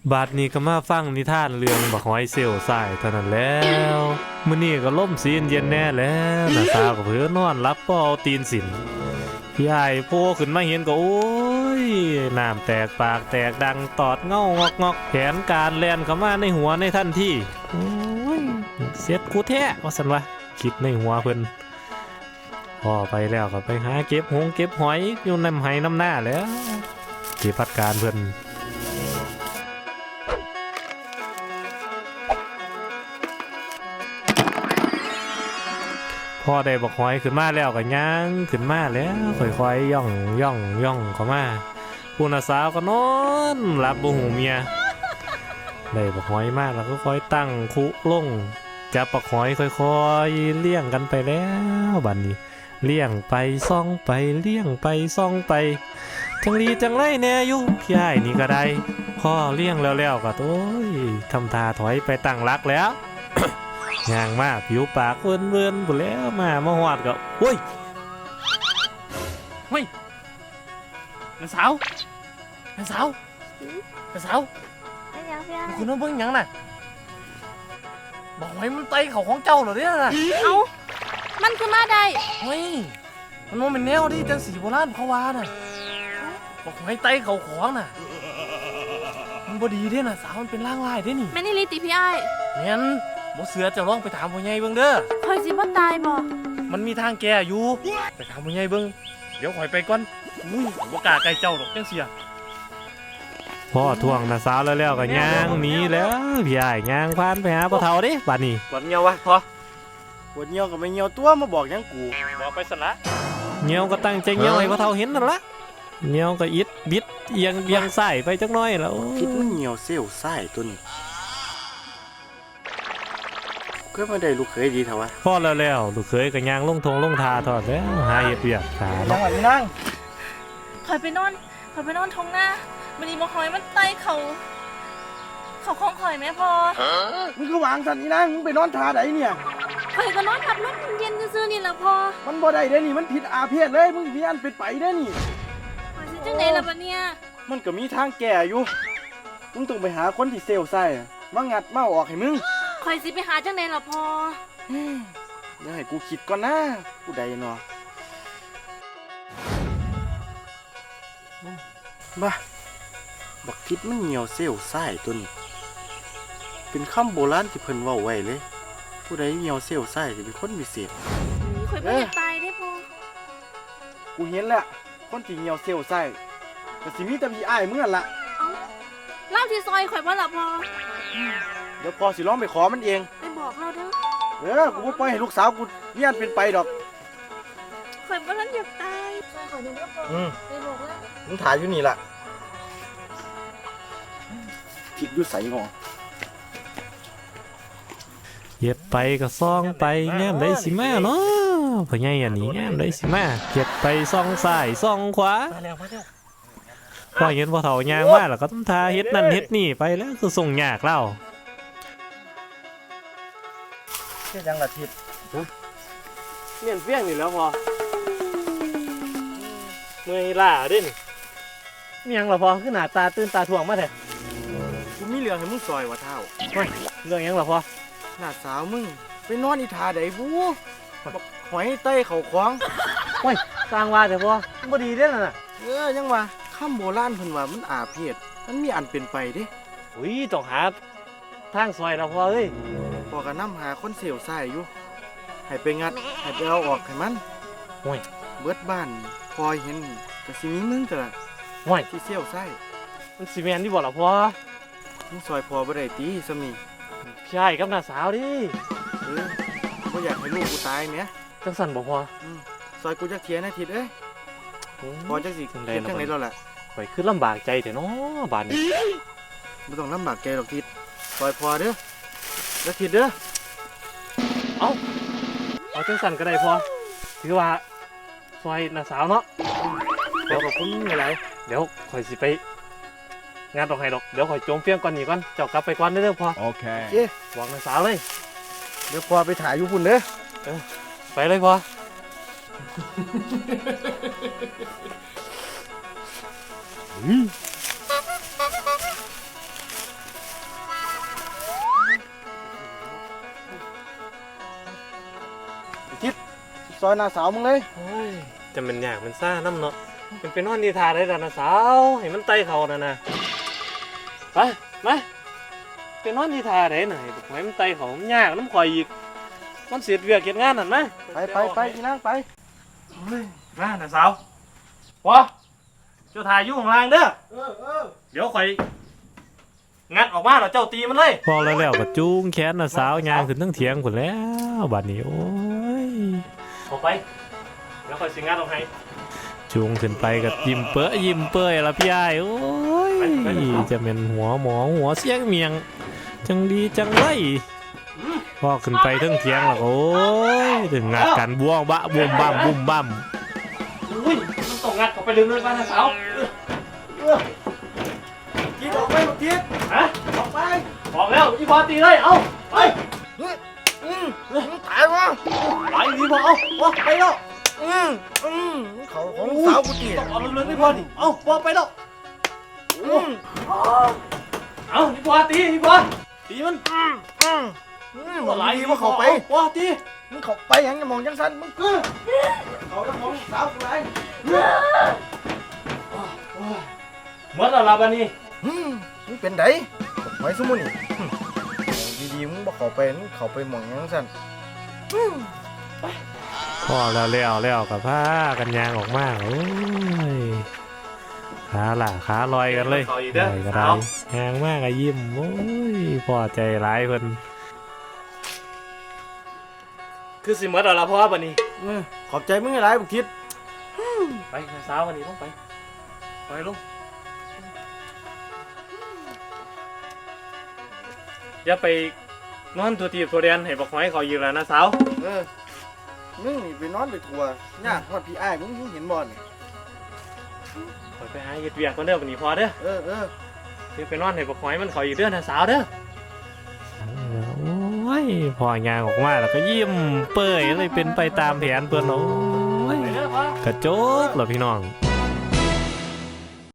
บาดนี้ก็มาฟังนิทานเรื่องบักหอยเซลสายเท่านั้นแล้วมื้อนี้ก็ล่มซีนเย็นแน่แล้วน้าสาวก็เพิ่นนอนรับบ่เอาตีนสินพี่อ้ายโผล่ขึ้นมาเห็นก็โอ้ยน้ำแตกปากแตกดังตอดเงางอกงอกแผนการแล่นเข้ามาในหัวในทันทีโอ้ยเสียดกูแท้ว่าซั่นวะคิดในหัวเพิ่นพอไปแล้วก็ไปหาเก็บหงเก็บหอยอยู่น้ำไหน้ำหน้าแล้วเก็บพัดการเพิ่นพอได้บักหอยขึ้นมาแล้วก็ย่างขึ้นมาแล้วค่อยๆย่องเข้ามาผู้น่ะสาวก็นอนหลับบ่หูเมียได้บักหอยมากแล้วก็ค่อยตั้งคุลงจับบักหอยค่อยๆเลี้ยงกันไปแล้วบัดนี้เลี้ยงไปซ่องไปเลี้ยงไปซ่องไปจังลีจังไรแน่อยู่พี่อ้ายนี่ก็ได้พ่อเลี้ยงแล้วก็โอ้ยทำท่าถอยไปตั้งรักแล้ว ย่างมาผิวปากเวินๆปุ๊แล้วมาหอดก็เฮ้ยน้าสาวน้าสาวไม่ยังพี่ไอ้คุณน้องเบิ่งหยังน่ะบอกไว้มันไตเขาของเจ้าเหรอเนี่ยน่ะเอ้ามันคือมาได้เฮ้ยมันว่าเป็นแนวที่จังสีโบราณเขาว่าน่ะบอกไว้ไตเขาของน่ะมันบ่ดีเด้น่ะสาวมันเป็นร่างลายเด้นี่แม่นี่ลิติพี่ไอ้แม่นบ่เสือจะลองไปถามพ่อใหญ่เบิ่งเด้อคอยสิบ่ตายบ่มันมีทางแก้อยู่ไปถามพ่อใหญ่เบิ่งเดี๋ยวข่อยไปก่อนอุ้ยบ่กล้าใกล้เจ้าดอกจังเสียพ่อทวงน่ะสาวแล้วก็ย่างหนีแล้วพี่อ้ายย่างผ่านไปหาพ่อเฒ่าเด้บัดนี้ปวดเงียววะพอปวดเงียวกับไม่เงียวตัวมาบอกยังกูบอกไปสละเหี่ยวก็ตั้งใจเหี่ยวให้พ่อเฒ่าเห็นนั่นละเหี่ยวก็อิดบิดเอียงซ้ายไปจักหน่อยแล้วคิดมันเงียวเซลไส้ตัวนี้ก็ไม่ได้ลูกเคยดีเถอะวะพ่อแล้วลูกเคยก็ย่างลงทงลงทาทอดแล้วหาเฮ็ดเวียกหาจังเนาะหวะนี้นั่งคอยไปนอนทงหน้ามันนี่บ่คอยมันไตเขาของข่อยแม่พอมึงก็วางสันนี้นั่งมึงไปนอนทาไหนเนี่ยข่อยก็นอนพัดลมเย็นซื่อๆนี่แหละพอมันบ่ได้เด้นี่มันผิดอาเพศเลยมึงมีอันเป็นไปเด้นี่ข่อยสิจังไดล่ะบัดเนี่ยมันก็มีทางแก่อยู่มึงต้องไปหาคนที่เซลไส้มางัดมาออกให้มึงข่อยสิไปหาจังไดล่ะพอเดี๋ยวให้กูคิดก่อนนะผู้ใดเนาะบ้าบักทิศมันเงียวเซลไส้ตัวนี้เป็นคำโบราณที่เพิ่นเว้าไว้เลยผู้ใดเงียวเซลไส้จะเป็นคนพิเศษข่อยบ่อยากตายเด้พอกูเห็นแล้วคนที่เงียวเซลไส้ก็สิมีแต่พี่อ้ายมึงนั่นล่ะเอ้าเล่าที่ซอยข่อยบ่ล่ะพอเดี๋ยวพอสิร้องไปขอมันเองไปบอกเราเด้อกูบ่ปล่อยให้ลูกสาวกูมีอันเป็นไปดอกข่อยบ่ทันอยากตายข่อยนึกว่าพอไปบอกแล้วมึงถ่ายอยู่นี่ล่ะคิดอยู่ใส่งอเฮ็ดไปก็ซ่องไปแง้มได้สิมาเนาะพ่อใหญ่อันนี้แง้มได้สิมาเฮ็ดไปซ่องซ้ายซ่องขวามาแล้วพอเห็นพ่อเฒ่าย่างมาแล้วก็ต้องทาเฮ็ดนั่นเฮ็ดนี่ไปแล้วคือส่งยากเล่าเฮ็ดยังล่ะทิศเมียนเฟี้ยงนี่แล้วพอเมื่อยล่าเด้นี่มีหยังล่ะพอคือหน้าตาตื่นตาถ่วงมาแท้กูมีเรื่องให้มึงซอยว่าเท่าเรื่องหยังล่ะพอหน้าสาวมึงไปนอนอีทาใดบูบักหอยเต้เขาขวางสร้างว่าแต่พอบ่ดีเด้อน่ะยังว่าคำโบราณเพิ่นว่ามันอาเพศมันมีอันเป็นไปเด้อุ้ยต้องหาทางซอยล่ะพอเอ้ยพอก็นำหาคนเซลไส้อยู่ให้ไปงัดให้ไปเอาออกให้มันโอ้ยเบิดบ้านพอเห็นก็สิมีมึงก็ล่ะโอ้ยที่เซลไส้มันสิแม่นที่บ่ล่ะพอมึงซอยพอบ่ได้ตีซะมีพี่อ้ายกับน้าสาวดิบ่อยากให้ลูกกูตายแหมจังสั่นบ่พอซอยกูจักเทียนะทิศเอ้ยพอจักสิจังเฮ็ดได๋จังได๋ล่ะแล้วล่ะข่อยคือลำบากใจแท้เนาะบาดนี้บ่ต้องลำบากใจหรอกทิศซอยพอเด้อแล้วทิศเด้อเอาจังสั่นก็ได้พอถือว่าซอยน้าสาวเนาะเดี๋ยวขอบคุณหลายเดี๋ยวข่อยสิไปงานดอกไห้ดอกเดี๋ยวข่อยโจมเฟี้ยงก่อนนี่ก่อนเจ้ากลับไปก่อนเด้อพอๆโอเคบอกน้าสาวเลยเดี๋ยวพอไปถ่ายอยู่พุ่นเด้อไปเลยพอเซอยหน้าสาวมึงเลยโอ้ยจะเป็นยากมันซ่าน้ำเนาะมันเป็นนอนนิทานได้แล้วนะสาวให้มันไต่เขานะนะไปมาเป็นนอนนิทานได้หน่อยให้มันไต่เขามันยากน้ำข่อยอีกมันเสียเวียกเกียงานนั่นไหมไปอีนางไปเฮ้ยมาน่ะสาววะเจ้าถ่ายอยู่ข้างล่างเด้อเดี๋ยวข่อยงัดออกมาแล้วเจ้าตีมันเลยพอแล้วก็จูงแขนน่ะสาวยางขึ้นทั้งเถียงคนแล้วบัดนี้โอ้ยออกไปแล้วข่อยสิงัดออกให้จูงขึ้นไปกับยิ้มเปื้อยละพี่อ้ายโอ้ยจะเป็นหัวหมอหัวเสียงเมียงจังดีจังไรพอขึ้นไปทั้งเถียงแล้วก็โอ้ยถึงงัดกันบ้วงบะบุ่มบ้ามบุ่มบ้ามอุ้ยมันต้องงัดออกไปเลยบ้านนะสาวกินออกไปลูกทิศฮะออกไปบอกแล้วอีบอตีเลยเอาไปตายวะไปดีพอเอาไปแล้วเขาของสาวกูตีต้องเอาเรื่องนี้พอดิเอาพอไปแล้วเอาอีบอตีอีบอตีมันบอกดีว่าเขาไปพอตีมึงเขาไปยังจะมองจังสันมึงเขาจะมองสาวกูไรเมื่อไหร่บ้านี้มึงเป็นไดไว้สมุนี่ดีๆมึงบอกเขาไปมึงเขาไปมองจังสันพอแล้วกับผ้ากันยางออกมาโอ้ยขาลอยกันเลยลอยกันได้ยางมากอะยิ้มโอ้ยพอใจร้ายเพิ่นคือสิเมื่อไหร่พ่อบ้านี้ขอบใจมึงไอ้ไรบุกทิศไปสาววันนี้ต้องไปลูกอย่าไปนอนตัวตีบตัวเรียนให้บอกไว้เขาอยู่แล้วนะสาวมึงนี่ไปนอนไปทัวร์ยากทอดพี่อ้ายมึงเห็นบอลไปหาเฮ็ดเวียกคนเด้อวันนี้พอเด้อเดี๋ยวไปนอนให้บอกไว้มันเขาอยู่เด้อนะสาวเด้อโอ้ยพองานออกมาแล้วก็ยิ้มเปื่อยเลยเป็นไปตามแผนเพื่อนโอ้ยกระโจกเหรอพี่น้อง